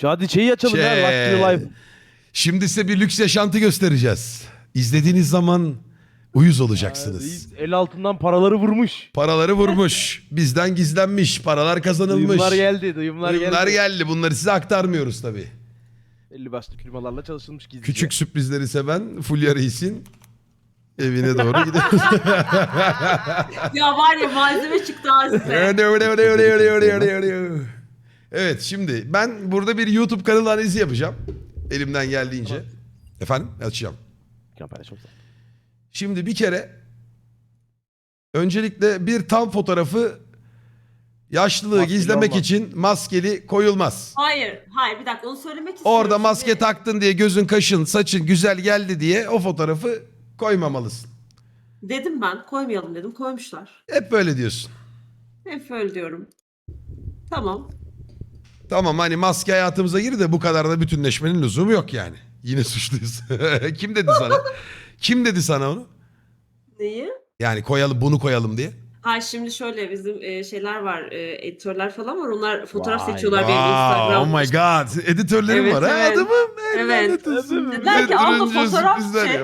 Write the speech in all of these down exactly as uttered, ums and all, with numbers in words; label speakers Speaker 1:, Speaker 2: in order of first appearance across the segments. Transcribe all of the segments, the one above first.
Speaker 1: Şu hadi şeyi açalım ya.
Speaker 2: Şey,
Speaker 1: Luxury Life.
Speaker 2: Şimdi size bir lüks yaşantı göstereceğiz. İzlediğiniz zaman uyuz
Speaker 1: Ha,
Speaker 2: olacaksınız.
Speaker 1: reis el altından paraları vurmuş.
Speaker 2: Paraları vurmuş. Bizden gizlenmiş. Paralar kazanılmış.
Speaker 1: Duyumlar geldi. Duyumlar,
Speaker 2: Duyumlar
Speaker 1: geldi.
Speaker 2: geldi. Bunları size aktarmıyoruz tabii.
Speaker 1: Belli başlı firmalarla çalışılmış gizlice.
Speaker 2: Küçük sürprizleri seven Fulya Reis'in evine doğru gidiyoruz.
Speaker 3: Ya var ya malzeme çıktı ha size.
Speaker 2: Evet, şimdi ben burada bir YouTube kanalı analizi yapacağım. Elimden geldiğince. Efendim? Açacağım.
Speaker 1: Kampanya çok güzel.
Speaker 2: Şimdi bir kere öncelikle bir tam fotoğrafı yaşlılığı
Speaker 1: Maskeli
Speaker 2: gizlemek
Speaker 1: olmaz.
Speaker 2: için maskeli koyulmaz.
Speaker 3: Hayır, hayır bir dakika onu söylemek istiyorum.
Speaker 2: Orada maske
Speaker 3: Şimdi-
Speaker 2: taktın diye gözün, kaşın, saçın güzel geldi diye o fotoğrafı koymamalısın.
Speaker 3: Dedim ben koymayalım dedim koymuşlar.
Speaker 2: Hep böyle diyorsun.
Speaker 3: Hep öyle diyorum. Tamam.
Speaker 2: Tamam, hani maske hayatımıza girdi de bu kadar da bütünleşmenin lüzumu yok yani. Yine suçluyuz. Kim dedi sana? Kim dedi sana onu?
Speaker 3: Neyi?
Speaker 2: Yani koyalım, bunu koyalım diye.
Speaker 3: Ha şimdi şöyle bizim e, şeyler var, e, editörler falan var. Onlar fotoğraf
Speaker 1: Vay,
Speaker 3: seçiyorlar benim
Speaker 2: Wow,
Speaker 3: Instagram.
Speaker 2: oh my god. Editörlerim
Speaker 3: Evet,
Speaker 2: var ha
Speaker 3: evet.
Speaker 2: adamım.
Speaker 3: Evet.
Speaker 2: Lanet olsun.
Speaker 3: Dediler ki, abla
Speaker 2: Öldürünce
Speaker 3: fotoğraf
Speaker 2: sürprizler
Speaker 3: çek.
Speaker 2: yap.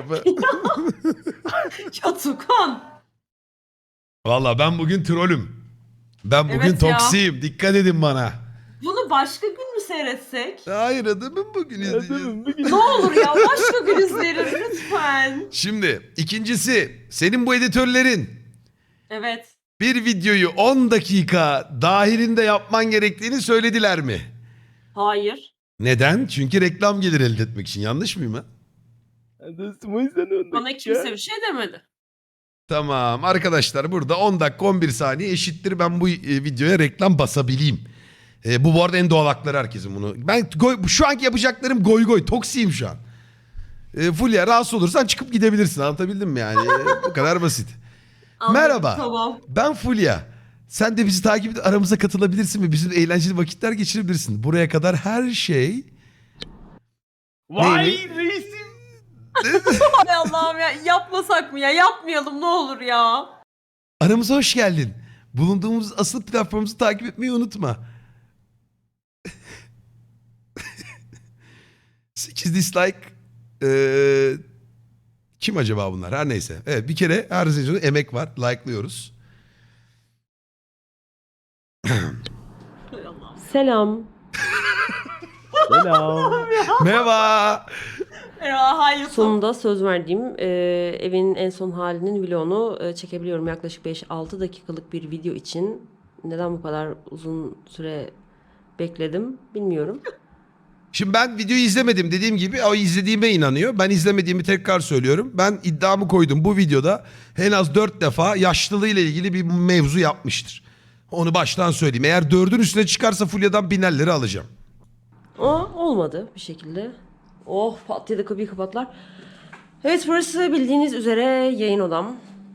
Speaker 3: Ya Tukan.
Speaker 2: Valla ben bugün trollüm. Ben bugün
Speaker 3: Evet ya.
Speaker 2: toksiyim. Dikkat edin bana.
Speaker 3: Bunu başka gün mü seyretsek?
Speaker 2: Hayır adamım, bugün izleyeceğiz.
Speaker 1: Adamım bugün.
Speaker 3: Ne olur ya başka gün izleriz lütfen.
Speaker 2: Şimdi ikincisi, senin bu editörlerin
Speaker 3: Evet.
Speaker 2: bir videoyu on dakika dahilinde yapman gerektiğini söylediler mi?
Speaker 3: Hayır.
Speaker 2: Neden? Çünkü reklam gelir elde etmek için. Yanlış mıyım ha?
Speaker 1: Dostum o yüzden on
Speaker 3: Bana
Speaker 1: dakika.
Speaker 3: kimse bir şey demedi.
Speaker 2: Tamam arkadaşlar, burada on dakika on bir saniye eşittir ben bu e, videoya reklam basabileyim. E, bu bu arada en doğal hakları herkesin bunu. Ben goy, şu anki yapacaklarım goy goy, toksiyim şu an. E, Fulya, rahatsız olursan çıkıp gidebilirsin, anlatabildim mi yani? E, bu kadar basit.
Speaker 3: Anladım,
Speaker 2: Merhaba.
Speaker 3: Tamam.
Speaker 2: Ben Fulya. Sen de bizi takip edip aramıza katılabilirsin ve bizim eğlenceli vakitler geçirebilirsin. Buraya kadar her şey...
Speaker 1: Vay
Speaker 2: Neyini?
Speaker 1: reisim.
Speaker 3: Hay Allah'ım ya yapmasak mı ya? Yapmayalım ne olur ya.
Speaker 2: Aramıza hoş geldin. Bulunduğumuz asıl platformumuzu takip etmeyi unutma. sekiz dislike. Ee, kim acaba bunlar? Her neyse. Evet, bir kere her sezonda emek var. Like'lıyoruz.
Speaker 3: Hay Allah'ım.
Speaker 4: Selam.
Speaker 1: Selam.
Speaker 2: Merhaba.
Speaker 3: Ya hayır.
Speaker 4: Sonunda söz verdiğim e, evin en son halinin vlogunu e, çekebiliyorum. Yaklaşık beş altı dakikalık bir video için. Neden bu kadar uzun süre bekledim bilmiyorum.
Speaker 2: Şimdi ben videoyu izlemedim, dediğim gibi o izlediğime inanıyor. Ben izlemediğimi tekrar söylüyorum. Ben iddiamı koydum, bu videoda en az dört defa yaşlılığıyla ilgili bir mevzu yapmıştır. Onu baştan söyleyeyim. Eğer dördün üstüne çıkarsa Fulya'dan binerleri alacağım.
Speaker 4: Ama olmadı bir şekilde. Oh pat diye de kapıyı kapatlar. Evet, burası bildiğiniz üzere yayın odam.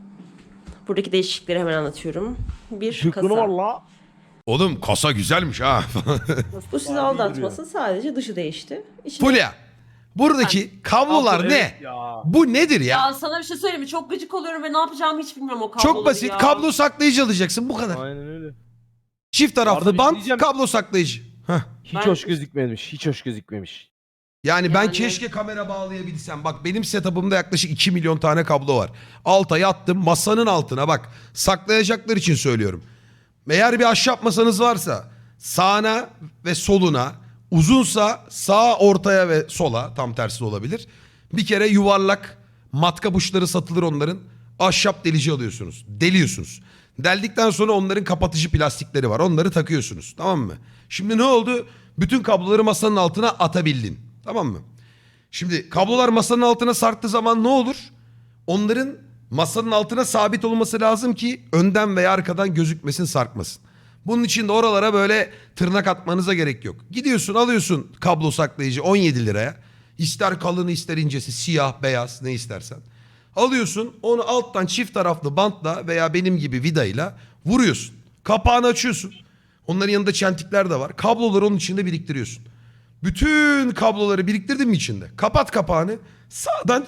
Speaker 4: Buradaki değişiklikleri hemen anlatıyorum. Bir
Speaker 1: Şükrü var
Speaker 4: kasa.
Speaker 1: la.
Speaker 2: Oğlum kasa güzelmiş ha.
Speaker 4: Bu sizi aldatmasın, sadece dışı değişti. İçinde
Speaker 2: Fulya, buradaki kablolar
Speaker 1: Abla,
Speaker 2: ne?
Speaker 1: evet ya.
Speaker 2: Bu nedir ya?
Speaker 3: Ya sana bir şey söyleyeyim mi? Çok gıcık oluyorum ve ne yapacağımı hiç bilmiyorum o kabloları
Speaker 2: Çok basit.
Speaker 3: ya.
Speaker 2: Kablo saklayıcı alacaksın, bu kadar.
Speaker 1: Aynen öyle.
Speaker 2: Çift
Speaker 1: Arada
Speaker 2: taraflı
Speaker 1: bir şey
Speaker 2: bant,
Speaker 1: diyeceğim.
Speaker 2: kablo saklayıcı. Heh.
Speaker 1: Hiç
Speaker 3: Ben-
Speaker 1: hoş gözükmemiş. Hiç hoş gözükmemiş.
Speaker 2: Yani ben
Speaker 3: Yani-
Speaker 2: keşke kamera bağlayabilsem. Bak benim setup'ımda yaklaşık iki milyon tane kablo var. Alta yattım, masanın altına bak. Saklayacaklar için söylüyorum. Eğer bir ahşap masanız varsa sağına ve soluna, uzunsa sağ ortaya ve sola, tam tersi de olabilir. Bir kere yuvarlak matkap uçları satılır onların. Ahşap delici alıyorsunuz. Deliyorsunuz. Deldikten sonra onların kapatıcı plastikleri var. Onları takıyorsunuz. Tamam mı? Şimdi ne oldu? Bütün kabloları masanın altına atabildin. Tamam mı? Şimdi kablolar masanın altına sarktığı zaman ne olur? Onların masanın altına sabit olması lazım ki önden veya arkadan gözükmesin, sarkmasın. Bunun için de oralara böyle tırnak atmanıza gerek yok. Gidiyorsun, alıyorsun kablo saklayıcı on yedi liraya. İster kalını ister incesi, siyah, beyaz, ne istersen. Alıyorsun, onu alttan çift taraflı bantla veya benim gibi vidayla vuruyorsun. Kapağını açıyorsun. Onların yanında çentikler de var. Kabloları onun içinde biriktiriyorsun. Bütün kabloları biriktirdin mi içinde? Kapat kapağını. Sağdan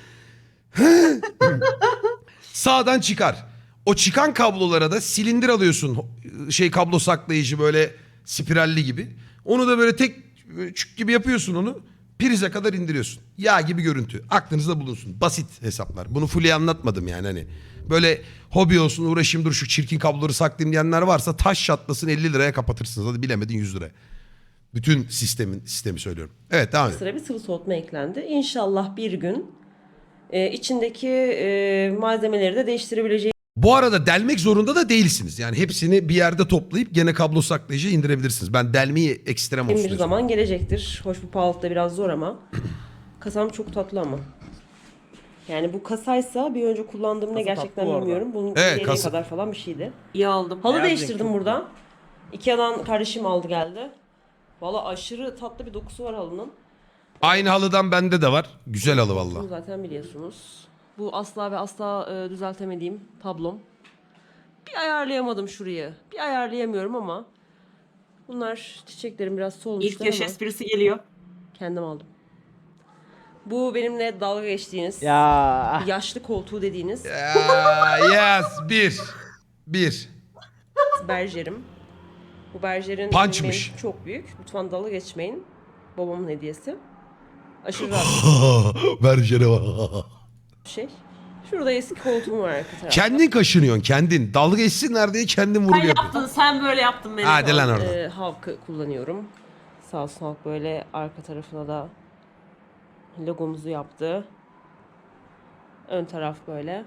Speaker 2: sağdan çıkar. O çıkan kablolara da silindir alıyorsun. Şey, kablo saklayıcı böyle spiralli gibi. Onu da böyle tek Böyle çük gibi yapıyorsun onu. Prize kadar indiriyorsun. Yağ gibi görüntü. Aklınızda bulunsun. Basit hesaplar. Bunu fully anlatmadım yani hani. Böyle hobi olsun uğraşayım dur şu çirkin kabloları saklayayım diyenler varsa taş çatlasın elli liraya kapatırsınız. Hadi bilemedin yüz liraya. Bütün sistemin sistemi söylüyorum. Evet devam edin.
Speaker 4: Sıra bir sıvı soğutma eklendi. İnşallah bir gün e, içindeki e, malzemeleri de değiştirebileceğimiz
Speaker 2: Bu arada delmek zorunda da değilsiniz. Yani hepsini bir yerde toplayıp gene kablo saklayıcı indirebilirsiniz. Ben delmeyi ekstrem olsun
Speaker 4: bir
Speaker 2: diyorsun.
Speaker 4: zaman gelecektir. Hoş, bu pahalıda biraz zor ama. Kasam çok tatlı ama. Yani bu kasaysa bir önce kullandığım ne
Speaker 1: Kasa
Speaker 4: gerçekten
Speaker 1: tatlı bu arada.
Speaker 4: bilmiyorum. Bunun
Speaker 2: Evet,
Speaker 4: evet,
Speaker 2: kasa-
Speaker 4: kadar falan bir şeydi.
Speaker 3: İyi aldım.
Speaker 4: Halı
Speaker 1: Beyaz renk
Speaker 4: değiştirdim
Speaker 1: çok
Speaker 4: burada. Ikea'dan kardeşim aldı geldi. Valla aşırı tatlı bir dokusu var halının.
Speaker 2: Aynı halıdan bende de var. Güzel halı
Speaker 4: Bunu
Speaker 2: valla.
Speaker 4: zaten biliyorsunuz. Bu asla ve asla e, düzeltemediğim tablom. Bir ayarlayamadım şurayı. Bir ayarlayamıyorum ama bunlar çiçeklerim biraz
Speaker 3: İlk
Speaker 4: solmuşlar
Speaker 3: yaş
Speaker 4: ama
Speaker 3: esprisi geliyor.
Speaker 4: kendim aldım. Bu benimle dalga geçtiğiniz,
Speaker 1: Ya.
Speaker 4: yaşlı koltuğu dediğiniz
Speaker 2: Ya, yes. Bir. Bir.
Speaker 4: berjerim. Bu berjerin
Speaker 2: Punchmış.
Speaker 4: benim çok büyük. Lütfen dalga geçmeyin. Babamın hediyesi. Aşırı rahat
Speaker 2: Ver jene bak.
Speaker 4: bir şey. Şurada eski koltuğum var arka tarafta.
Speaker 2: Kendin kaşınıyorsun kendin. Dalga geçsinler diye kendin
Speaker 3: Sen
Speaker 2: vurgu yapıyorsun.
Speaker 3: yaptın, sen böyle yaptın beni.
Speaker 2: Hadi lan oradan.
Speaker 4: Ee, Halk'ı kullanıyorum. Sağ olsun Halk böyle arka tarafına da logomuzu yaptı. Ön taraf böyle.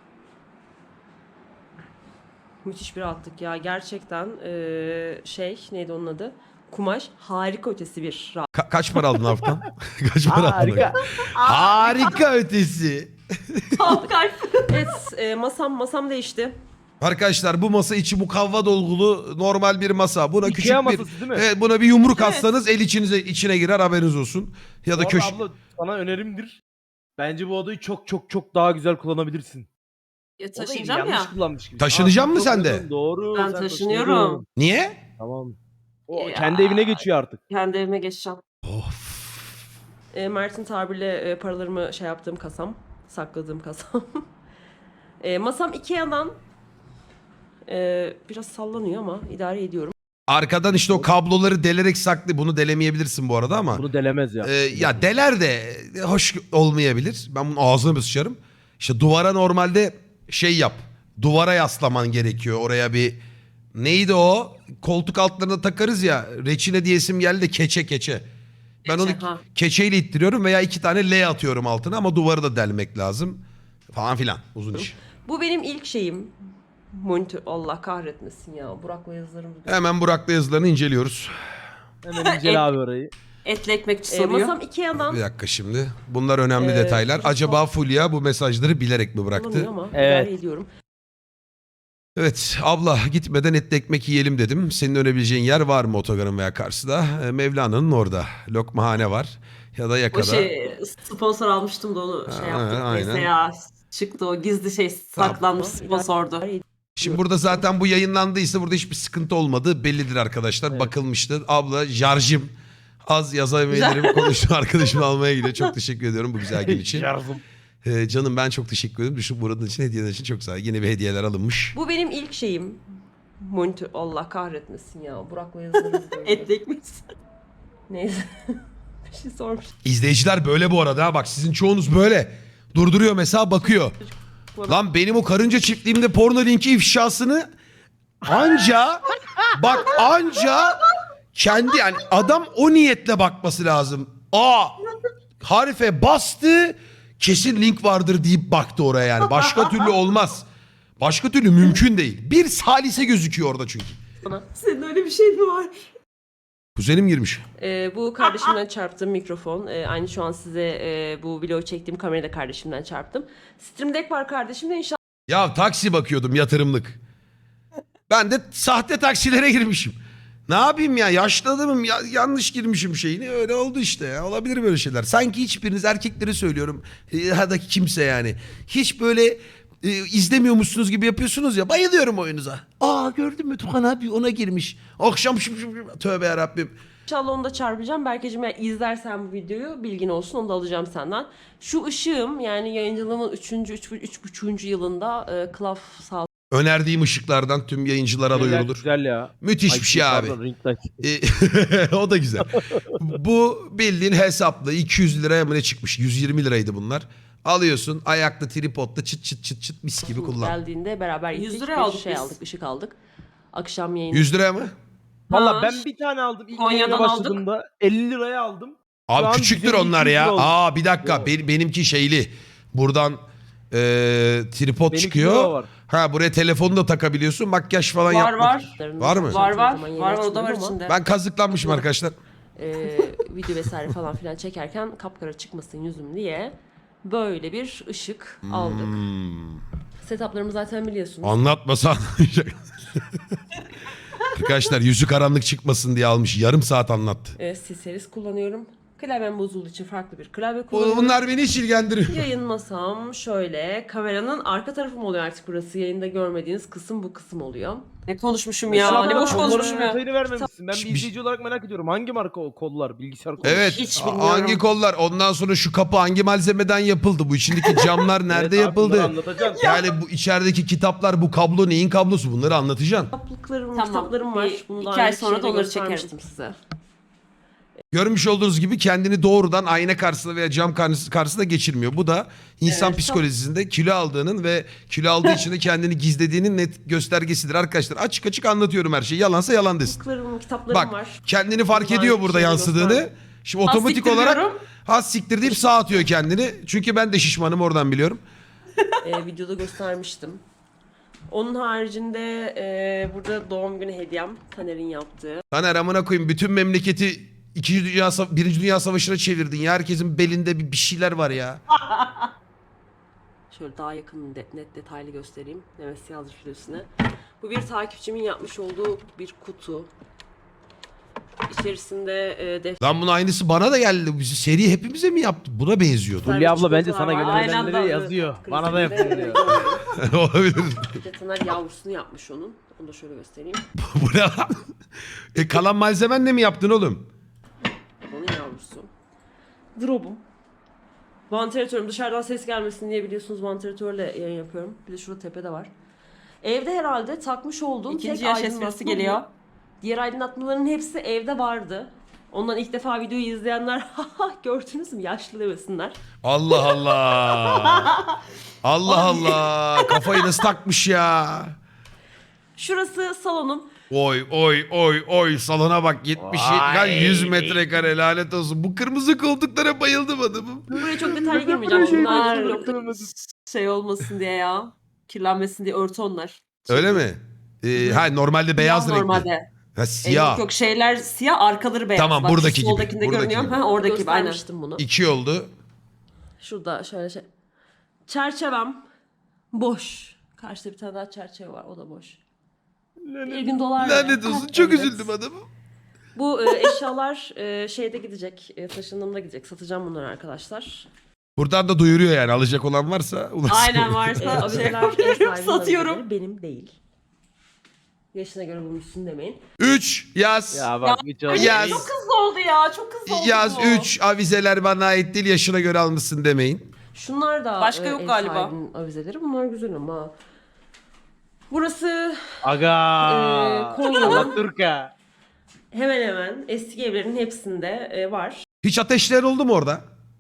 Speaker 4: Müthiş bir rahatlık ya. Gerçekten ee, şey neydi onun adı? Kumaş harika ötesi bir rahat.
Speaker 2: Ka- kaç para aldın haftan? Kaç para aldın?
Speaker 1: Harika.
Speaker 2: Harika ötesi.
Speaker 3: Kalk kalp.
Speaker 4: Evet ee, masam masam değişti.
Speaker 2: Arkadaşlar bu masa içi mukavva dolgulu normal bir masa. Buna
Speaker 1: Ikea
Speaker 2: küçük bir
Speaker 1: masası değil mi?
Speaker 2: Evet, buna bir yumruk
Speaker 3: Evet.
Speaker 2: atsanız el içinize içine girer haberiniz olsun. Ya da
Speaker 1: Bu arada
Speaker 2: köşe
Speaker 1: abla sana önerimdir. Bence bu odayı çok çok çok daha güzel kullanabilirsin.
Speaker 3: Ya
Speaker 1: Odayı
Speaker 3: taşıyacağım
Speaker 1: yanlış
Speaker 3: ya.
Speaker 1: kullanmış gibi.
Speaker 2: Taşınacak
Speaker 1: Aa,
Speaker 2: mı
Speaker 1: çok
Speaker 2: sen de?
Speaker 1: uygun, Doğru.
Speaker 3: Ben
Speaker 1: sen
Speaker 3: taşınıyorum.
Speaker 1: taşınıyorsun.
Speaker 2: Niye?
Speaker 1: Tamam. O
Speaker 3: Ya.
Speaker 1: kendi evine geçiyor artık.
Speaker 3: Kendi evime geçeceğim.
Speaker 2: Of.
Speaker 4: E, Mert'in tabirle e, paralarımı şey yaptığım kasam. Sakladığım kasam. e, masam Ikea'dan e, biraz sallanıyor ama idare ediyorum.
Speaker 2: Arkadan işte o kabloları delerek saklı. Bunu delemeyebilirsin bu arada ama.
Speaker 1: Bunu delemez ya.
Speaker 2: Ee, ya deler de hoş olmayabilir. Ben bunun ağzına bir sıçarım. İşte duvara normalde şey yap. Duvara yaslaman gerekiyor. Oraya bir neydi o? Koltuk altlarına takarız ya. Reçine diyesim geldi de keçe keçe. Ben
Speaker 3: Keçe,
Speaker 2: onu
Speaker 3: ha.
Speaker 2: keçeyle ittiriyorum veya iki tane L atıyorum altına ama duvarı da delmek lazım. Falan filan. Uzun iş.
Speaker 4: Bu benim ilk şeyim. Monitör. Allah kahretmesin ya. Burak'la yazılarım.
Speaker 2: Hemen Burak'la yazılarını inceliyoruz.
Speaker 1: Hemen incele abi orayı.
Speaker 3: Etli ekmekçi
Speaker 4: E,
Speaker 3: soruyor.
Speaker 4: masam Ikea'dan
Speaker 2: Bir dakika şimdi. Bunlar önemli
Speaker 4: Ee,
Speaker 2: detaylar.
Speaker 4: çok-
Speaker 2: Acaba Fulya bu mesajları bilerek mi
Speaker 4: sallanıyor
Speaker 2: bıraktı?
Speaker 4: ama
Speaker 1: Evet.
Speaker 4: idare ediyorum.
Speaker 2: Evet abla gitmeden etli ekmek yiyelim dedim. Senin önebileceğin yer var mı otogarın veya karşıda? Ee, Mevlana'nın orada. Lokmahane var. Ya da
Speaker 3: O
Speaker 2: yakada.
Speaker 3: şey sponsor almıştım da onu şey
Speaker 2: Ha,
Speaker 3: yaptık.
Speaker 2: aynen.
Speaker 3: Neyse ya. Çıktı o gizli şey saklanmış sponsordu.
Speaker 2: Şimdi burada zaten bu yayınlandıysa burada hiçbir sıkıntı olmadığı bellidir arkadaşlar.
Speaker 1: Evet.
Speaker 2: Bakılmıştır. Abla jarjım az yazabilirim konuştu arkadaşımı almaya gidiyor. Çok teşekkür ediyorum bu güzel gün için.
Speaker 1: Yardım.
Speaker 2: Ee, canım ben çok teşekkür ederim. Düşün buranın için hediyeler için çok sağ ol. Yine bir hediyeler alınmış.
Speaker 4: Bu benim ilk şeyim. Monitör. Allah kahretmesin ya. Burak'la yazılarım.
Speaker 3: Etli ekmekçi.
Speaker 4: Neyse. bir şey sormuş.
Speaker 2: İzleyiciler böyle bu arada. ha. Bak sizin çoğunuz böyle. Durduruyor mesela bakıyor. Lan benim o karınca çiftliğimde porno linki ifşasını anca bak anca kendi yani adam o niyetle bakması lazım. Aa harife bastı kesin link vardır deyip baktı oraya yani. Başka türlü olmaz. Başka türlü mümkün değil. Bir salise gözüküyor orada çünkü.
Speaker 3: Senin öyle bir şey mi var?
Speaker 2: Kuzenim girmiş.
Speaker 4: Ee, bu kardeşimden çarptığım mikrofon. Ee, aynı şu an size e, bu vlogu çektiğim kamerayı da kardeşimden çarptım. Stream Deck var kardeşimde. İnşallah
Speaker 2: Ya taksi bakıyordum yatırımlık. Ben de sahte taksilere girmişim. Ne yapayım ya yaşlı adamım ya, yanlış girmişim şeyini öyle oldu işte ya olabilir böyle şeyler. Sanki hiçbiriniz erkekleri söylüyorum e, ya da kimse yani hiç böyle e, izlemiyormuşsunuz gibi yapıyorsunuz ya bayılıyorum oyunuza. Aa gördün mü Tukan abi ona girmiş. Akşam şım şım şım tövbe yarabbim.
Speaker 4: İnşallah onu da çarpacağım. Berkeciğim eğer izlersen bu videoyu bilgin olsun onu da alacağım senden. Şu ışığım yani yayıncılığımın üçüncü üç buçuğuncu yılında e, Klaf sağ
Speaker 2: Önerdiğim ışıklardan tüm yayıncılara
Speaker 1: Güzel,
Speaker 2: duyurulur.
Speaker 1: Güzel ya.
Speaker 2: Müthiş
Speaker 1: Ay,
Speaker 2: bir şey abi.
Speaker 1: pardon, ring light.
Speaker 2: E, o da güzel. Bu bildiğin hesaplı iki yüz liraya mı ne çıkmış? yüz yirmi liraydı bunlar. Alıyorsun ayakta tripodla çıt çıt çıt çıt mis gibi kullan.
Speaker 4: Geldiğinde beraber
Speaker 3: yüz
Speaker 4: gittik.
Speaker 3: liraya
Speaker 4: bir
Speaker 3: aldık
Speaker 4: şey
Speaker 3: biz.
Speaker 4: aldık, ışık aldık. Akşam yayını.
Speaker 2: yüz liraya mı?
Speaker 1: Valla
Speaker 3: Ha,
Speaker 1: ben bir tane aldım. İlk
Speaker 3: Konya'dan
Speaker 1: yayına
Speaker 3: aldık.
Speaker 1: başladığımda elli liraya aldım. Şu
Speaker 2: Abi
Speaker 1: an
Speaker 2: küçüktür
Speaker 1: yüz elli
Speaker 2: onlar
Speaker 1: iki yüz
Speaker 2: ya.
Speaker 1: lira oldu.
Speaker 2: Aa bir dakika
Speaker 1: Yok.
Speaker 2: Be- benimki şeyli. Buradan e, tripod
Speaker 1: Benimki
Speaker 2: çıkıyor.
Speaker 1: de var.
Speaker 2: Ha buraya telefonu da takabiliyorsun. Makyaj falan
Speaker 3: Var,
Speaker 2: yapmak.
Speaker 3: var.
Speaker 2: Var mı?
Speaker 3: Var var.
Speaker 4: Zaman yayın
Speaker 3: Var o da var
Speaker 4: açmıyorum ama,
Speaker 3: içinde.
Speaker 2: Ben kazıklanmışım arkadaşlar.
Speaker 4: e, video vesaire falan filan çekerken kapkara çıkmasın yüzüm diye böyle bir ışık aldık.
Speaker 2: Hmm.
Speaker 4: Setuplarımı zaten biliyorsunuz.
Speaker 2: Anlatmasa anlamayacak. Arkadaşlar yüzü karanlık çıkmasın diye almış. Yarım saat anlattı.
Speaker 4: E, C-Series kullanıyorum. Klavyem bozulduğu için farklı bir klavye kullanıyorum.
Speaker 2: Bunlar beni hiç ilgilendiriyor.
Speaker 4: Yayın masam şöyle. Kameranın arka tarafı mı oluyor artık burası? Yayında görmediğiniz kısım bu kısım oluyor.
Speaker 3: Ne konuşmuşum ya.
Speaker 1: Mesela
Speaker 3: Ne boş
Speaker 1: kolların
Speaker 3: konuşmuşum ya.
Speaker 1: detayını vermemişsin. Ben bir
Speaker 2: Bir-
Speaker 1: izleyici olarak merak ediyorum. Hangi marka o kollar? Bilgisayar kolları.
Speaker 2: Evet.
Speaker 4: Hiç
Speaker 2: a-
Speaker 4: bilmiyorum.
Speaker 2: Hangi kollar? Ondan sonra şu kapı hangi malzemeden yapıldı? Bu içindeki camlar nerede
Speaker 1: Evet abi,
Speaker 2: yapıldı?
Speaker 1: bunları anlatacaksın.
Speaker 2: Yani bu içerideki kitaplar, bu kablo neyin kablosu? Bunları anlatacaksın.
Speaker 4: Kitaplıklarım,
Speaker 3: Tamam.
Speaker 4: kitaplarım var.
Speaker 3: Bir-
Speaker 4: Bunu
Speaker 3: iki
Speaker 4: daha
Speaker 3: ay
Speaker 4: önce
Speaker 3: sonra da
Speaker 4: şeyde
Speaker 3: onları çekerim.
Speaker 4: göstermiştim size.
Speaker 2: Görmüş olduğunuz gibi kendini doğrudan ayna karşısında veya cam karşıs- karşısında geçirmiyor. Bu da insan
Speaker 4: Evet,
Speaker 2: psikolojisinde kilo aldığının ve kilo aldığı için de kendini gizlediğinin net göstergesidir arkadaşlar. Açık açık anlatıyorum her şeyi. Yalansa yalan desin.
Speaker 4: Kitaplarım, kitaplarım
Speaker 2: Bak
Speaker 4: var.
Speaker 2: kendini fark
Speaker 4: Bunlar
Speaker 2: ediyor burada
Speaker 4: şeyde
Speaker 2: yansıdığını.
Speaker 4: gösterdim.
Speaker 2: Şimdi
Speaker 3: Az
Speaker 2: otomatik
Speaker 3: siktir
Speaker 2: olarak
Speaker 3: diyorum.
Speaker 2: has siktir deyip sağ atıyor kendini. Çünkü ben de şişmanım oradan biliyorum.
Speaker 4: e, videoda göstermiştim. Onun haricinde e, burada doğum günü hediyem Taner'in yaptığı.
Speaker 2: Taner amına koyayım bütün memleketi İkinci Dünya, Sa- Birinci Dünya Savaşı'na çevirdin ya. Herkesin belinde bir, bir şeyler var ya.
Speaker 4: Şöyle daha yakın de- net detaylı göstereyim. Nemesi yazmış üstüne. Bu bir takipçimin yapmış olduğu bir kutu. İçerisinde e, defter
Speaker 2: Lan bunun aynısı bana da geldi. Bizi seri hepimize mi yaptı? Buna benziyordu.
Speaker 1: Hülya abla bence sana
Speaker 4: Aynen
Speaker 1: gönderenleri
Speaker 3: anda.
Speaker 1: yazıyor. Bana da
Speaker 4: krizinde,
Speaker 1: yapın diyor.
Speaker 4: e,
Speaker 2: Olabilir.
Speaker 4: Bir de Taner yavrusunu yapmış onun. Onu da şöyle göstereyim.
Speaker 2: Bu ne lan? E kalan malzemenle mi yaptın oğlum?
Speaker 4: Onun yavrusu. Drop'um. Vantilatörüm. Dışarıdan ses gelmesin diye biliyorsunuz vantilatörle yayın yapıyorum. Bir de şurada tepede var. Evde herhalde takmış olduğum
Speaker 3: İkinci
Speaker 4: tek
Speaker 3: yaş
Speaker 4: aydınlatma
Speaker 3: esprisi
Speaker 4: bu.
Speaker 3: geliyor.
Speaker 4: Diğer aydınlatmaların hepsi evde vardı. Ondan ilk defa videoyu izleyenler "Haha, gördünüz mü yaşlı demesinler.
Speaker 2: Allah Allah. Allah Allah. Kafayı nasıl takmış ya?
Speaker 4: Şurası salonum.
Speaker 2: Oy oy oy oy salona bak yetmiş lan yüz metrekare lanet olsun. Bu kırmızı koltuklara bayıldım adamım.
Speaker 4: Buraya çok detaylı girmeyeceğim. Şunlar
Speaker 3: Bunlar
Speaker 4: blokta şey olmasın diye ya. Kirlenmesin diye örtü onlar.
Speaker 2: Öyle mi? Ee, ha normalde beyaz
Speaker 3: Siyah
Speaker 2: renkli.
Speaker 3: normalde.
Speaker 2: Ha
Speaker 3: E,
Speaker 2: siyah.
Speaker 3: yok yok şeyler siyah arkaları beyaz.
Speaker 2: Tamam,
Speaker 3: Bak, şu
Speaker 2: buradaki gibi,
Speaker 3: soldakinde
Speaker 2: buradaki
Speaker 3: görünüyor.
Speaker 2: gibi.
Speaker 3: Ha, oradaki gibi aynen.
Speaker 4: Göstermiştim bunu.
Speaker 2: İki oldu.
Speaker 4: Şurada şöyle şey. Çerçevem boş. Karşıda bir tane daha çerçeve var. O da boş. Bir gün dolar.
Speaker 2: Lanet olsun çok üzüldüm adamım.
Speaker 4: Bu e, eşyalar e, şeyde gidecek. E, taşındığımda gidecek. Satacağım bunları arkadaşlar.
Speaker 2: Buradan da duyuruyor yani alacak olan varsa. ulaşsın.
Speaker 3: Aynen
Speaker 4: E,
Speaker 3: varsa şey,
Speaker 4: abiler ev sahibinin
Speaker 3: satıyorum.
Speaker 4: abileri, benim değil. Yaşına göre bulmuşsun demeyin.
Speaker 2: Üç yaz.
Speaker 1: Ya bak hiç
Speaker 3: Ay,
Speaker 1: olmaz.
Speaker 2: Yaz.
Speaker 3: Çok hızlı oldu ya. Çok hızlı oldu
Speaker 2: Yaz
Speaker 3: bu.
Speaker 2: üç avizeler bana ait değil yaşına göre almışsın demeyin.
Speaker 4: Şunlar da
Speaker 3: Başka
Speaker 4: e,
Speaker 3: yok
Speaker 4: ev
Speaker 3: galiba.
Speaker 4: sahibinin avizeleri. Bunlar güzel ama. Burası
Speaker 1: Aga.
Speaker 4: Ee, Konya'nın-
Speaker 1: Alaturka.
Speaker 4: hemen hemen eski evlerin hepsinde e, var.
Speaker 2: Hiç ateşler oldu mu orada?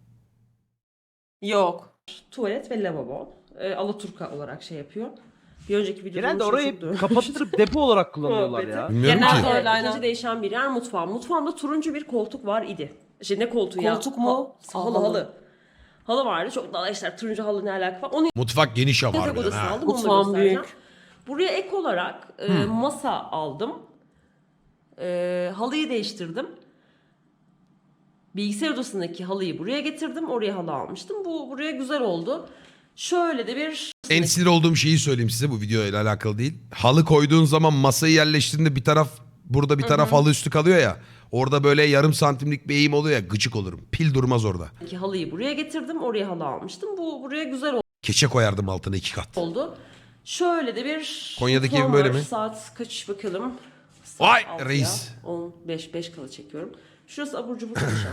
Speaker 3: Yok.
Speaker 4: Tuvalet ve lavabo. E, Alaturka olarak şey yapıyor. Bir önceki videoda
Speaker 1: Genelde
Speaker 4: bunu
Speaker 1: orayı
Speaker 4: çok duymuş.
Speaker 1: kapattırıp depo olarak kullanıyorlar ya.
Speaker 4: Muhabbeti.
Speaker 2: Bilmiyorum
Speaker 3: Genelde
Speaker 2: ki.
Speaker 3: öyle.
Speaker 4: Evet,
Speaker 3: aynen.
Speaker 4: ikinci değişen bir yer mutfağım. Mutfağımda turuncu bir koltuk var idi. Şey ne koltuğu ya?
Speaker 3: Koltuk mu?
Speaker 4: Ha- halı halı. Halı vardı. Çok daha işte turuncu halı ne alaka var. Onu
Speaker 2: Mutfak geniş ama
Speaker 4: yatak
Speaker 2: harbiden
Speaker 4: odası
Speaker 2: ha.
Speaker 4: aldım. Onu da
Speaker 3: Mutfağım
Speaker 4: göstereceğim.
Speaker 3: büyük.
Speaker 4: Buraya ek olarak e, masa aldım. E, halıyı değiştirdim. Bilgisayar odasındaki halıyı buraya getirdim. Oraya halı almıştım. Bu buraya güzel oldu. Şöyle de bir
Speaker 2: En sinir olduğum şeyi söyleyeyim size bu videoyla alakalı değil. Halı koyduğun zaman masayı yerleştirdiğinde bir taraf burada bir taraf halı üstü kalıyor ya. Orada böyle yarım santimlik bir eğim oluyor ya gıcık olurum. Pil durmaz orada.
Speaker 4: halıyı buraya getirdim. Oraya halı almıştım. Bu buraya güzel
Speaker 2: Keçe koyardım altına iki kat.
Speaker 4: oldu. Şöyle de bir
Speaker 2: Konya'daki
Speaker 4: mutfağım
Speaker 2: ev böyle
Speaker 4: var.
Speaker 2: mi?
Speaker 4: Saat kaç bakalım. Saat
Speaker 2: Vay
Speaker 4: altıya,
Speaker 2: reis.
Speaker 4: on beş beş kala çekiyorum. Şurası abur cubur köşem.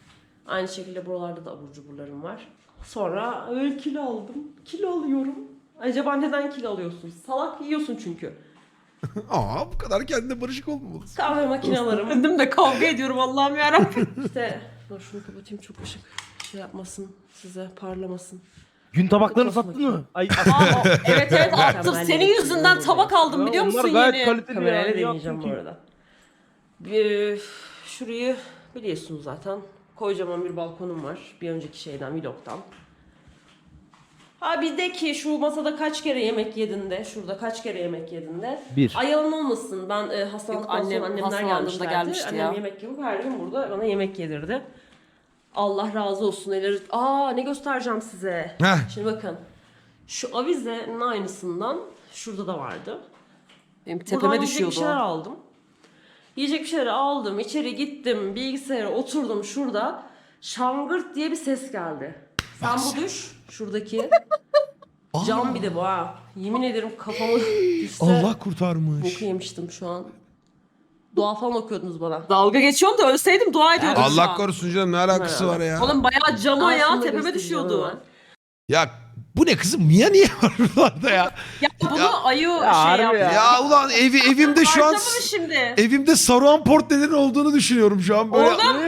Speaker 4: Aynı şekilde buralarda da abur cuburlarım var. Sonra öyle kilo aldım. Kilo alıyorum. Acaba neden kilo alıyorsun? Salak yiyorsun çünkü.
Speaker 2: Aa bu kadar kendine barışık olmamalısın.
Speaker 4: Kahve makinelarım.
Speaker 3: Kendim de kavga ediyorum Allah'ım yarabbim.
Speaker 4: İşte dur şunu kapatayım, çok ışık şey yapmasın, size parlamasın.
Speaker 1: Gün tabaklarını
Speaker 4: Çok
Speaker 1: sattın mı? Ay,
Speaker 3: Aa, evet evet attım.
Speaker 4: Mükemmel
Speaker 3: Senin
Speaker 4: yemek
Speaker 3: yüzünden
Speaker 4: yiyorum.
Speaker 3: tabak aldım biliyor
Speaker 1: onlar
Speaker 3: musun
Speaker 1: gayet
Speaker 3: yeni?
Speaker 1: kaliteli
Speaker 4: Kamerayla
Speaker 1: yani.
Speaker 4: deneyeceğim
Speaker 1: Yaptın
Speaker 4: bu
Speaker 1: ki.
Speaker 4: arada. Bir, şurayı biliyorsunuz zaten. Kocaman bir balkonum var. Bir önceki şeyden, vlogtan. Ha bir de ki şu masada kaç kere yemek yedin de, şurada kaç kere yemek yedin de.
Speaker 1: Bir.
Speaker 4: Ay yalan olmasın, ben e, hastalandıktan
Speaker 3: Yok, annem
Speaker 4: sonra annemler
Speaker 3: hastalandığında
Speaker 4: gelmişlerdi.
Speaker 3: gelmişti
Speaker 4: Annem
Speaker 3: ya.
Speaker 4: yemek yapıp her gün burada bana yemek yedirdi. Allah razı olsun. Elleri... Aa ne göstereceğim size.
Speaker 2: Heh.
Speaker 4: Şimdi bakın. Şu avizenin aynısından şurada da vardı.
Speaker 3: Benim
Speaker 4: Buradan
Speaker 3: tepeme
Speaker 4: yiyecek bir
Speaker 3: düşüyordu
Speaker 4: şeyler
Speaker 3: o.
Speaker 4: aldım. Yiyecek bir şeyler aldım. İçeri gittim. Bilgisayara oturdum şurada. Şangırt diye bir ses geldi. Sen bu düş. Şuradaki. Cam bir de bu ha. Yemin ederim kafamı düşse
Speaker 2: Allah kurtarmış.
Speaker 4: boku yemiştim şu an. Dua falan okuyordunuz bana.
Speaker 3: Dalga geçiyorum da ölseydim dua ediyordum şu
Speaker 2: Allah
Speaker 3: an.
Speaker 2: korusun canım, ne alakası var ya?
Speaker 3: Oğlum bayağı cama ya
Speaker 4: Aslında
Speaker 3: tepeme
Speaker 4: göstereceğim
Speaker 3: düşüyordu.
Speaker 4: hemen.
Speaker 2: Ya bu ne kızım? Mia niye var buralarda ya?
Speaker 3: Ya bunu
Speaker 2: Ya-
Speaker 3: ayı şey
Speaker 1: harbi
Speaker 3: yaptı.
Speaker 1: ya.
Speaker 2: Ya ulan evi evimde şu an
Speaker 3: Harcama mı şimdi?
Speaker 2: evimde Saruhan Portre'lerin olduğunu düşünüyorum şu an böyle.
Speaker 3: Oğlum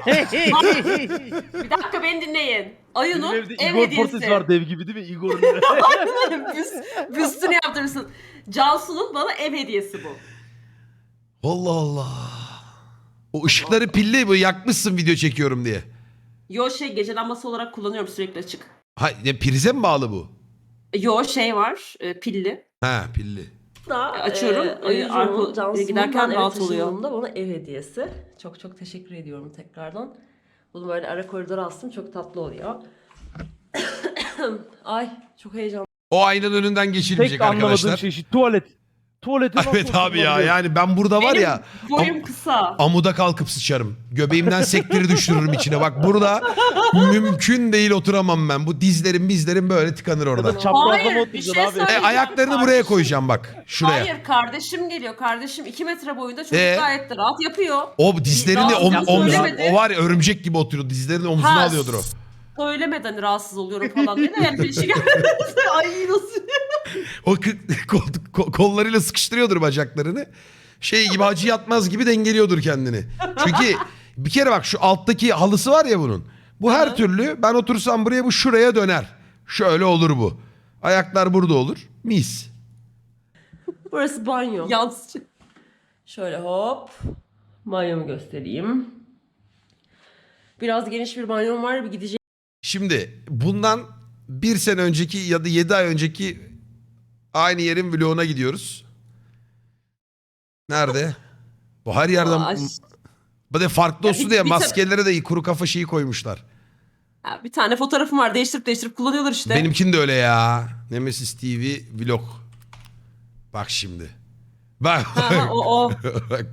Speaker 3: bir dakika beni dinleyin.
Speaker 1: Benim
Speaker 3: Ayı'nın
Speaker 1: evde
Speaker 3: ev
Speaker 1: Igor
Speaker 3: hediyesi.
Speaker 1: Portes var dev gibi değil mi? Igor'un.
Speaker 3: Büst, büstünü yaptırırsın. Cansu'nun bana ev hediyesi bu.
Speaker 2: Allah Allah. O ışıkları pilli bu yakmışsın video çekiyorum diye.
Speaker 3: Yo şey gece lambası olarak kullanıyorum sürekli açık.
Speaker 2: Ha ne, prize mi bağlı bu?
Speaker 3: Yo şey var e, pilli.
Speaker 2: Ha pilli.
Speaker 4: Da,
Speaker 3: Açıyorum,
Speaker 4: e,
Speaker 3: ayı
Speaker 4: Ayıcı'nın,
Speaker 3: arka-
Speaker 4: Cansu'nun
Speaker 3: giderken
Speaker 4: ben eve
Speaker 3: rahat oluyor.
Speaker 4: taşındığımda bana ev hediyesi. Çok çok teşekkür ediyorum tekrardan. Bunu böyle ara koridora astım. Çok tatlı oluyor. Ay çok heyecanlı.
Speaker 2: O aynanın önünden geçilmeyecek
Speaker 1: Tek anlamadığım
Speaker 2: arkadaşlar.
Speaker 1: şey şu tuvalet. Tuvalete nasıl
Speaker 2: Evet abi ya,
Speaker 1: oturulabiliyor?
Speaker 2: yani ben burada var
Speaker 3: Benim
Speaker 2: ya
Speaker 3: boyum
Speaker 2: am-
Speaker 3: kısa.
Speaker 2: amuda kalkıp sıçarım. Göbeğimden sektiri düşürürüm içine. Bak burada mümkün değil, oturamam ben. Bu dizlerim bizlerim böyle tıkanır
Speaker 1: Ya da
Speaker 2: orada.
Speaker 1: çaprazlama
Speaker 3: Hayır, bir
Speaker 1: oturacaksın
Speaker 3: şey
Speaker 1: abi.
Speaker 2: E,
Speaker 3: söyleyeceğim.
Speaker 2: ayaklarını buraya
Speaker 3: Kardeşim-
Speaker 2: koyacağım bak. Şuraya.
Speaker 3: Hayır kardeşim geliyor. Kardeşim iki metre boyunda çocuk
Speaker 2: Ee?
Speaker 3: gayet de rahat yapıyor.
Speaker 2: O dizlerini
Speaker 3: Daha
Speaker 2: om,
Speaker 3: yaptı,
Speaker 2: omzu,
Speaker 3: söylemedi.
Speaker 2: o var ya örümcek gibi oturuyor. Dizlerini omzuna
Speaker 3: Ha,
Speaker 2: alıyordur o.
Speaker 3: Söylemeden rahatsız oluyorum falan diye de yani bir şey Ay nasıl?
Speaker 2: O kı- kol- ko- kollarıyla sıkıştırıyordur bacaklarını. Şey gibi, Hacı Yatmaz gibi dengeliyordur kendini. Çünkü bir kere bak şu alttaki halısı var ya bunun. Bu her
Speaker 3: Hı.
Speaker 2: türlü ben otursam buraya bu şuraya döner. Şöyle olur bu. Ayaklar burada olur. Mis.
Speaker 4: Burası banyo.
Speaker 3: Yansıcı.
Speaker 4: Şöyle hop. Banyomu göstereyim. Biraz geniş bir banyom var. Bir gideceğim
Speaker 2: Şimdi bundan bir sene önceki ya da yedi ay önceki aynı yerin vloguna gidiyoruz. Nerede? Bu her yerden...
Speaker 3: Ay.
Speaker 2: Bu da farklı
Speaker 3: Ya
Speaker 2: olsun
Speaker 3: bir-
Speaker 2: diye
Speaker 3: bir tane-
Speaker 2: maskelere de kuru kafa şeyi koymuşlar.
Speaker 3: Ha, bir tane fotoğrafım var değiştirip değiştirip kullanıyorlar işte.
Speaker 2: Benimkin de öyle ya. Nemesis T V vlog. Bak şimdi. Bak.
Speaker 3: Ha, ha, o o.
Speaker 2: Bak.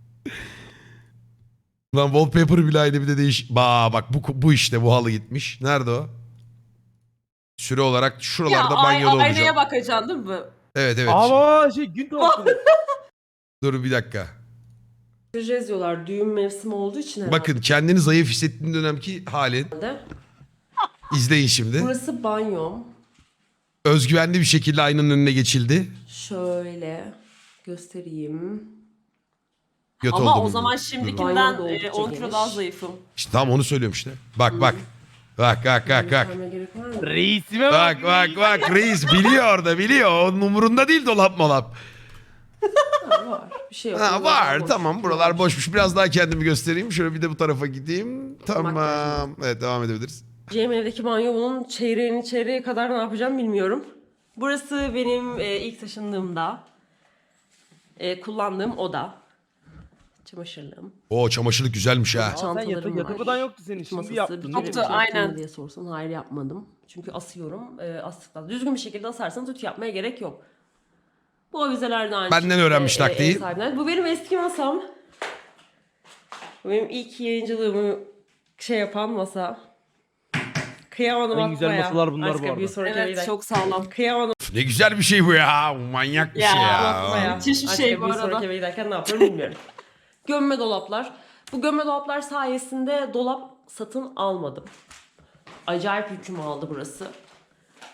Speaker 2: Lan wallpaper bile aynı, bir de değiş. Ba bak bu bu işte bu halı gitmiş. Nerede o? Süre olarak
Speaker 3: Ya
Speaker 2: şuralarda
Speaker 3: ay,
Speaker 2: banyoda olacağım.
Speaker 3: aynaya bakacaksın değil mi?
Speaker 2: Evet evet.
Speaker 1: Ama şey gün tabakları.
Speaker 2: Dur bir dakika.
Speaker 4: diyorlar. Düğün mevsimi olduğu için herhalde.
Speaker 2: Bakın kendini zayıf hissettiğin dönemki halin. İzleyin şimdi.
Speaker 4: Burası banyom.
Speaker 2: Özgüvenli bir şekilde aynanın önüne geçildi.
Speaker 4: Şöyle göstereyim.
Speaker 2: Göt
Speaker 3: Ama
Speaker 2: oldum
Speaker 3: o
Speaker 2: gibi.
Speaker 3: zaman
Speaker 4: Banyo
Speaker 3: şimdikinden
Speaker 4: da
Speaker 3: e,
Speaker 4: oldukça
Speaker 3: on kilo
Speaker 4: geniş.
Speaker 3: daha zayıfım.
Speaker 2: İşte tam onu söylüyorum işte. Bak bak. Bak bak bak bak.
Speaker 4: Göstermeye gerek var mı?
Speaker 1: Reisime
Speaker 2: Bak bak bak reis biliyor orada biliyor. Onun umurunda değil dolap molap.
Speaker 4: Ha, var. Bir şey yok.
Speaker 2: Ha,
Speaker 4: Buralar
Speaker 2: var
Speaker 4: boş.
Speaker 2: tamam, buralar boşmuş. Biraz daha kendimi göstereyim. Şöyle bir de bu tarafa gideyim. Tamam. Evet devam edebiliriz.
Speaker 4: Cem evdeki banyo, bunun çeyreğini çeyreğe kadar ne yapacağım bilmiyorum. Burası benim e, ilk taşındığımda e, kullandığım oda. Çamaşırlığım.
Speaker 2: O çamaşırlık güzelmiş ha.
Speaker 1: Aa, sen
Speaker 4: Çantalarım
Speaker 1: yatı,
Speaker 4: var.
Speaker 1: yatırmadan yoktu senin.
Speaker 4: Ütü
Speaker 1: Şimdi
Speaker 4: masası,
Speaker 1: yaptın.
Speaker 4: bir
Speaker 1: değil
Speaker 4: kere
Speaker 1: mi?
Speaker 3: Yoktu,
Speaker 4: ütü yaptın mı
Speaker 3: aynen.
Speaker 4: diye sorsan hayır yapmadım. Çünkü asıyorum. E, astıktan düzgün bir şekilde asarsanız ütü yapmaya gerek yok. Bu avizeler de aynı
Speaker 2: Benden
Speaker 4: şekilde,
Speaker 2: öğrenmiş
Speaker 4: e,
Speaker 2: taktiği.
Speaker 4: ev sahibinden. Bu benim eski masam. Bu benim ilk yayıncılığımı şey yapan masa. Kıyamadım
Speaker 1: En güzel
Speaker 4: atmaya.
Speaker 1: masalar bunlar
Speaker 4: Başka
Speaker 1: bu arada.
Speaker 4: bir sonraki
Speaker 3: Evet
Speaker 4: evden.
Speaker 3: çok sağlam.
Speaker 4: Kıyamadım
Speaker 2: Ne güzel bir şey bu ya. Manyak bir
Speaker 3: Ya,
Speaker 2: şey
Speaker 4: atmaya.
Speaker 2: ya.
Speaker 3: Müthiş bir
Speaker 4: Başka
Speaker 3: şey bu
Speaker 4: bir
Speaker 3: arada.
Speaker 4: sonraki eve giderken ne yaparım bilmiyorum. Gömme dolaplar. Bu gömme dolaplar sayesinde dolap satın almadım. Acayip yükümü aldı burası.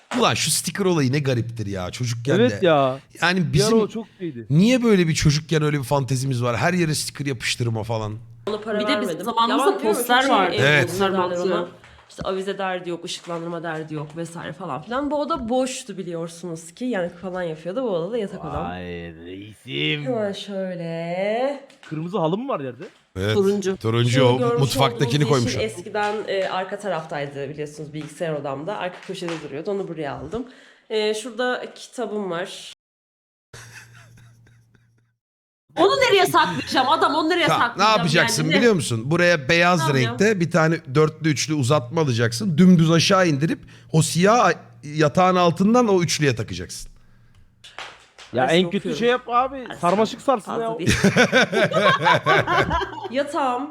Speaker 2: Ulan şu sticker olayı ne gariptir ya çocukken
Speaker 1: Evet
Speaker 2: de.
Speaker 1: ya.
Speaker 2: Yani
Speaker 1: Bir ara
Speaker 2: bizim
Speaker 1: o çok iyiydi.
Speaker 2: niye böyle bir çocukken öyle bir fantezimiz var? Her yere sticker yapıştırma falan.
Speaker 4: Ona para
Speaker 3: Bir de bizim
Speaker 4: vermedim.
Speaker 3: zamanımızda
Speaker 4: Ya ben diyorum,
Speaker 3: poster
Speaker 4: çok şey,
Speaker 3: vardı.
Speaker 4: e,
Speaker 2: Evet.
Speaker 4: poster derler
Speaker 3: Poster
Speaker 4: ona.
Speaker 3: bantı.
Speaker 4: İşte avize derdi yok, ışıklandırma derdi yok vesaire falan filan. Bu oda boştu biliyorsunuz ki. Yankı falan yapıyordu. Bu odada yatak odam.
Speaker 1: Ay reisim.
Speaker 4: Hemen şöyle.
Speaker 1: Kırmızı halı mı var yerde?
Speaker 2: Evet.
Speaker 3: Turuncu.
Speaker 2: Turuncu
Speaker 4: Şunu
Speaker 2: o
Speaker 4: görmüş
Speaker 2: mutfaktakini
Speaker 4: olduğunuz
Speaker 2: koymuşlar.
Speaker 4: yeşil eskiden e, arka taraftaydı biliyorsunuz bilgisayar odamda. Arka köşede duruyordu. Onu buraya aldım. E, şurada kitabım var.
Speaker 3: Onu nereye saklayacağım? Adam onu nereye
Speaker 2: Tamam, ne
Speaker 3: saklayacağım?
Speaker 2: yapacaksın
Speaker 3: yani? Ne-
Speaker 2: biliyor musun? Buraya beyaz
Speaker 3: Tamam ya.
Speaker 2: renkte bir tane dörtlü üçlü uzatma alacaksın. Dümdüz aşağı indirip o siyah yatağın altından o üçlüye takacaksın.
Speaker 1: Ya
Speaker 4: Dersi
Speaker 1: en kötü
Speaker 4: okuyorum.
Speaker 1: şey yap abi. Sarmaşık sarsın
Speaker 4: Fazla
Speaker 1: ya.
Speaker 4: değil. Yatağım.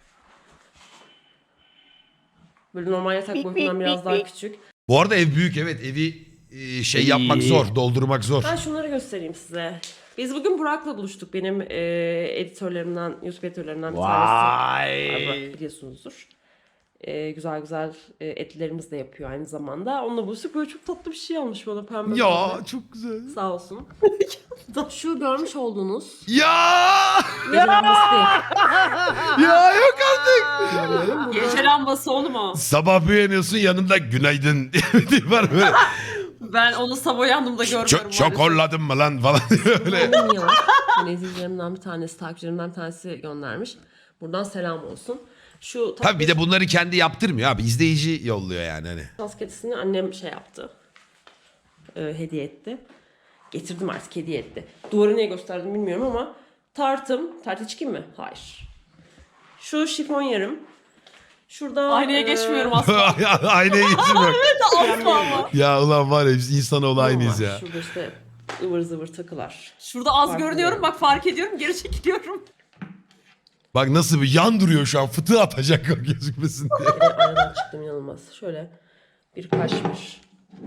Speaker 4: Böyle normal yatak boyutundan biraz daha küçük.
Speaker 2: Bu arada ev büyük evet evi e, şey
Speaker 1: İyi.
Speaker 2: yapmak zor doldurmak zor.
Speaker 4: Ben şunları göstereyim size. Biz bugün Burak'la buluştuk. Benim e, editörlerimden, YouTube editörlerimden bir tanesi.
Speaker 1: Vay.
Speaker 4: Burak biliyorsunuzdur. E, güzel güzel e, etlerimiz de yapıyor aynı zamanda. Onunla buluştuk. Böyle çok tatlı bir şey almış bana pembe. pembe.
Speaker 2: Ya çok güzel.
Speaker 4: Sağ olsun. Şu görmüş olduğunuz
Speaker 2: Ya
Speaker 4: gece lambası değil.
Speaker 2: ya yok artık.
Speaker 3: Gece lambası oğlum o.
Speaker 2: Sabah uyanıyorsun yanında günaydın diye bir tip var böyle.
Speaker 3: Ben onu sabah uyandığımda görmüyorum.
Speaker 2: Çok
Speaker 3: maalesef.
Speaker 2: şokolladın mı lan falan diye böyle.
Speaker 4: Benim yok. Hani izleyicilerimden bir tanesi, takipçilerimden bir tanesi göndermiş. Buradan selam olsun. Şu
Speaker 2: Tabii bir de bunları kendi yaptırmıyor abi izleyici yolluyor yani hani.
Speaker 4: tas kedisini annem şey yaptı. Ee, hediye etti. Getirdim artık hediye etti. Duvarı niye gösterdim bilmiyorum ama tartım. Tartı çıkayım mı? Hayır. Şu şifon yarım. Şurada
Speaker 3: Aynaya
Speaker 4: e,
Speaker 3: geçmiyorum aslında.
Speaker 2: Aynaya geçsin bak.
Speaker 3: Asla ama.
Speaker 2: Ya ulan var ya biz insanoğlu
Speaker 4: var.
Speaker 2: aynıyız ya.
Speaker 4: Şurada işte ıvır zıvır takılar.
Speaker 3: Şurada az
Speaker 4: Fark
Speaker 3: görünüyorum.
Speaker 4: ediyorum.
Speaker 3: Bak fark ediyorum. Geri çekiliyorum.
Speaker 2: Bak nasıl bir yan duruyor şu an fıtığı atacak o gözükmesin diye.
Speaker 4: Bir de aradan çıktım inanılmaz. Şöyle bir kaşmir.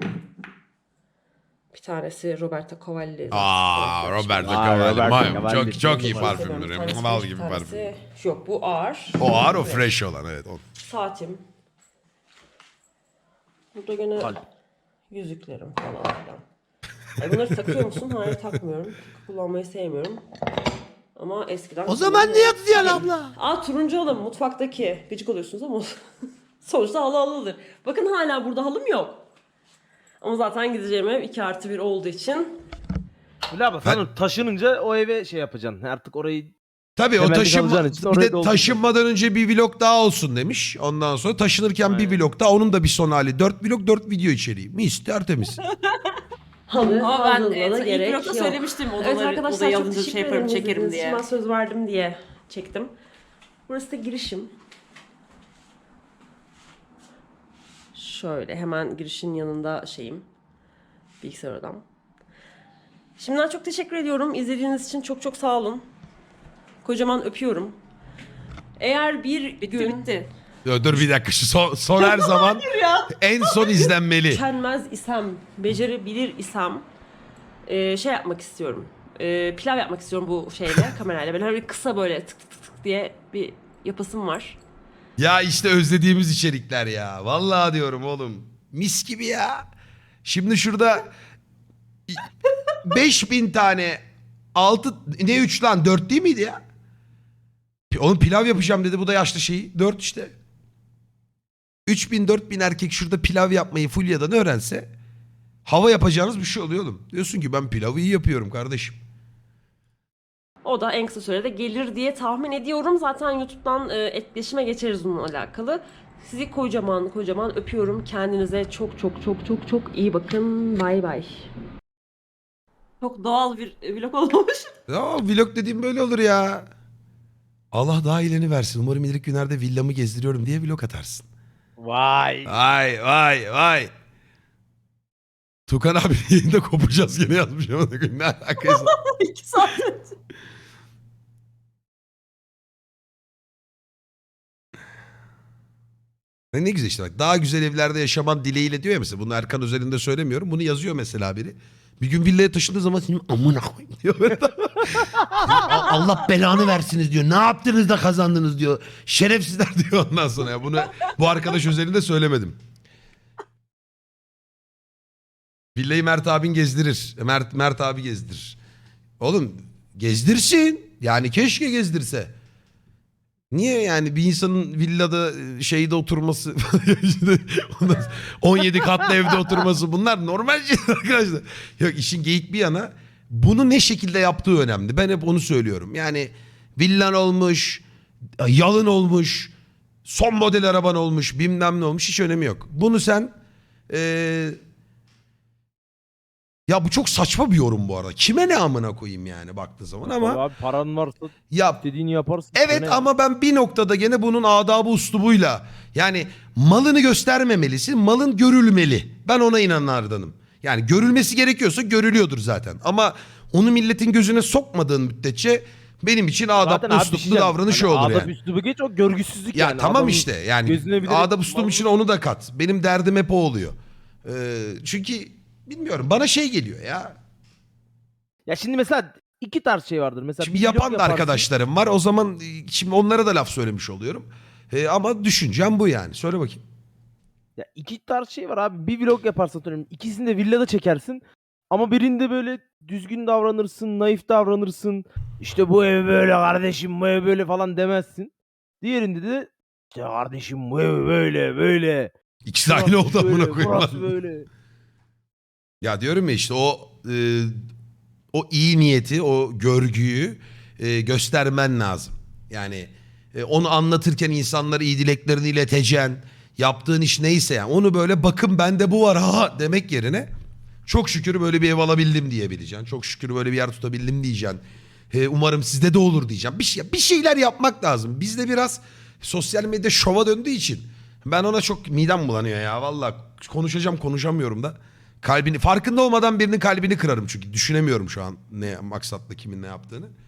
Speaker 4: Bir tanesi Roberto Cavalli.
Speaker 2: Aa Roberto
Speaker 1: Aa,
Speaker 2: Cavalli.
Speaker 1: Roberto
Speaker 2: Vay,
Speaker 1: Cavalli.
Speaker 2: Çok çok iyi
Speaker 1: Bir
Speaker 2: parfümdür.
Speaker 4: Bir tanesi,
Speaker 2: Mal
Speaker 4: bir
Speaker 2: gibi
Speaker 4: tanesi-
Speaker 2: parfüm.
Speaker 4: Yok bu ağır.
Speaker 2: O ağır o
Speaker 4: Evet.
Speaker 2: fresh olan evet. O.
Speaker 4: Saatim. Burada gene
Speaker 1: Kalp.
Speaker 4: yüzüklerim falan filan. Ay bunları takıyor musun? Hayır takmıyorum. Kullanmayı sevmiyorum. Ama eskiden...
Speaker 2: O zaman ne yatıyorsun abla?
Speaker 4: Aa turuncu halım mutfaktaki. Gıcık oluyorsunuz ama sonuçta halı halıdır. Bakın hala burada halım yok. Ama zaten gideceğim ev iki artı bir olduğu için.
Speaker 1: Bilal abi sen taşınınca o eve şey yapacaksın. Artık orayı
Speaker 2: Tabii o
Speaker 1: Temelli
Speaker 2: taşınma,
Speaker 1: kalacağın için
Speaker 2: bir
Speaker 1: oraya
Speaker 2: de
Speaker 1: doldurdum.
Speaker 2: taşınmadan önce bir vlog daha olsun demiş. Ondan sonra taşınırken bir vlog daha onun da bir son hali. Dört vlog dört video içeriği. Mis tertemiz.
Speaker 4: Halı
Speaker 3: Ama ben
Speaker 4: hazırlığına
Speaker 3: evet, ilk
Speaker 4: gerek
Speaker 3: blokta
Speaker 4: yok.
Speaker 3: söylemiştim. Odaları,
Speaker 4: Evet arkadaşlar
Speaker 3: odayı
Speaker 4: çok
Speaker 3: alınca
Speaker 4: teşekkür
Speaker 3: şey
Speaker 4: ederim.
Speaker 3: yaparım çekerim
Speaker 4: İzlediğiniz için
Speaker 3: diye.
Speaker 4: Ben söz verdim diye çektim. Burası da girişim. Şöyle hemen girişin yanında şeyim. Bilgisayar odam. Şimdiden çok teşekkür ediyorum. İzlediğiniz için çok çok sağ olun. Kocaman öpüyorum. Eğer bir
Speaker 3: Bitti
Speaker 4: gün
Speaker 3: bitti.
Speaker 2: Dur, dur bir dakika şu son, son her zaman en son izlenmeli.
Speaker 4: üşenmez isem, becerebilir isem e, şey yapmak istiyorum. E, pilav yapmak istiyorum bu şeyle, kamerayla. Böyle bir kısa böyle tık tık tık tık diye bir yapasım var.
Speaker 2: Ya işte özlediğimiz içerikler ya. Vallahi diyorum oğlum. Mis gibi ya. Şimdi şurada beş bin tane altı ne üç lan dört değil miydi ya? Oğlum pilav yapacağım dedi bu da yaşlı şeyi. dört işte. üç bin dört bin erkek şurada pilav yapmayı Fulya'dan öğrense hava yapacağınız bir şey oluyor oğlum. Diyorsun ki ben pilavı iyi yapıyorum kardeşim.
Speaker 4: O da en kısa sürede gelir diye tahmin ediyorum. Zaten YouTube'dan e, etkileşime geçeriz bununla alakalı. Sizi kocaman kocaman öpüyorum. Kendinize çok çok çok çok çok iyi bakın. Bay bay.
Speaker 3: Çok doğal bir vlog olmuş.
Speaker 2: Ya vlog dediğim böyle olur ya. Allah daha iyileni versin. Umarım ileriki günlerde villamı gezdiriyorum diye vlog atarsın.
Speaker 1: vay.
Speaker 2: Vay vay vay. Tukan abi yayında kopacağız gene yazmış ama ne alakası.
Speaker 3: İki saat önce.
Speaker 2: Ne ne güzel işte bak. Daha güzel evlerde yaşaman dileğiyle diyor ya mesela. Bunu Erkan özelinde söylemiyorum. Bunu yazıyor mesela biri. Bir gün villaya taşındığı zaman senin amına koyayım diyor. Böyle. Allah belanı versiniz diyor. Ne yaptınız da kazandınız diyor. Şerefsizler diyor ondan sonra. Ya bunu bu arkadaş özelinde söylemedim. Villayı Mert abin gezdirir. Mert, Mert abi gezdirir. Oğlum gezdirsin. Yani keşke gezdirse. Niye yani bir insanın villada şeyde oturması, on yedi katlı evde oturması bunlar normal şeyler arkadaşlar. Yok işin geyik bir yana bunu ne şekilde yaptığı önemli. Ben hep onu söylüyorum. Yani villan olmuş, yalın olmuş, son model araban olmuş, bilmem ne olmuş hiç önemi yok. Bunu sen ee, ya bu çok saçma bir yorum bu arada. Kime ne amına koyayım yani baktığı zaman ama
Speaker 1: Abi paran varsa
Speaker 2: ya
Speaker 1: dediğini yaparsın.
Speaker 2: evet
Speaker 1: Sana-
Speaker 2: ama ben bir noktada gene bunun adabı uslubuyla yani malını göstermemelisin, malın görülmeli. Ben ona inananlardanım. Yani görülmesi gerekiyorsa görülüyordur zaten. Ama onu milletin gözüne sokmadığın müddetçe benim için
Speaker 1: Zaten
Speaker 2: adaplı
Speaker 1: abi bir
Speaker 2: usluplu
Speaker 1: şey diyeceğim.
Speaker 2: davranış
Speaker 1: Hani
Speaker 2: olur
Speaker 1: adap
Speaker 2: yani.
Speaker 1: üslubu geç o görgüsüzlük
Speaker 2: Ya
Speaker 1: yani.
Speaker 2: tamam
Speaker 1: Adamın
Speaker 2: işte yani
Speaker 1: gözüne bilerek
Speaker 2: adap uslum
Speaker 1: mal-
Speaker 2: için onu da kat. Benim derdim hep o oluyor. Ee, çünkü bilmiyorum bana şey geliyor ya.
Speaker 1: Ya şimdi mesela iki tarz şey vardır. Mesela
Speaker 2: Şimdi
Speaker 1: bir vlog
Speaker 2: yapan da
Speaker 1: yaparsın.
Speaker 2: arkadaşlarım var. O zaman e, şimdi onlara da laf söylemiş oluyorum. Ee, ama düşüncem bu yani. Söyle bakayım.
Speaker 1: Ya iki tarz şey var abi. Bir vlog yaparsın atıyorum. İkisini de villada çekersin. Ama birinde böyle düzgün davranırsın, naif davranırsın. İşte bu ev böyle kardeşim, bu ev böyle falan demezsin. Diğerinde de işte kardeşim bu ev böyle böyle.
Speaker 2: İkisi de aynı oldu
Speaker 1: Burası
Speaker 2: amına
Speaker 1: böyle,
Speaker 2: koyayım.
Speaker 1: burası böyle.
Speaker 2: Ya diyorum ya işte o e, o iyi niyeti, o görgüyü e, göstermen lazım. Yani e, onu anlatırken insanlara iyi dileklerini ileteceksin. Yaptığın iş neyse yani onu böyle bakın bende bu var ha demek yerine çok şükür böyle bir ev alabildim diyebileceksin. Çok şükür böyle bir yer tutabildim diyeceksin. E, umarım sizde de olur diyeceğim. Bir, şey, bir şeyler yapmak lazım. Bizde biraz sosyal medya şova döndüğü için ben ona çok midem bulanıyor ya. Vallahi konuşacağım konuşamıyorum da. Kalbini farkında olmadan birinin kalbini kırarım çünkü düşünemiyorum şu an ne maksatla kimin ne yaptığını.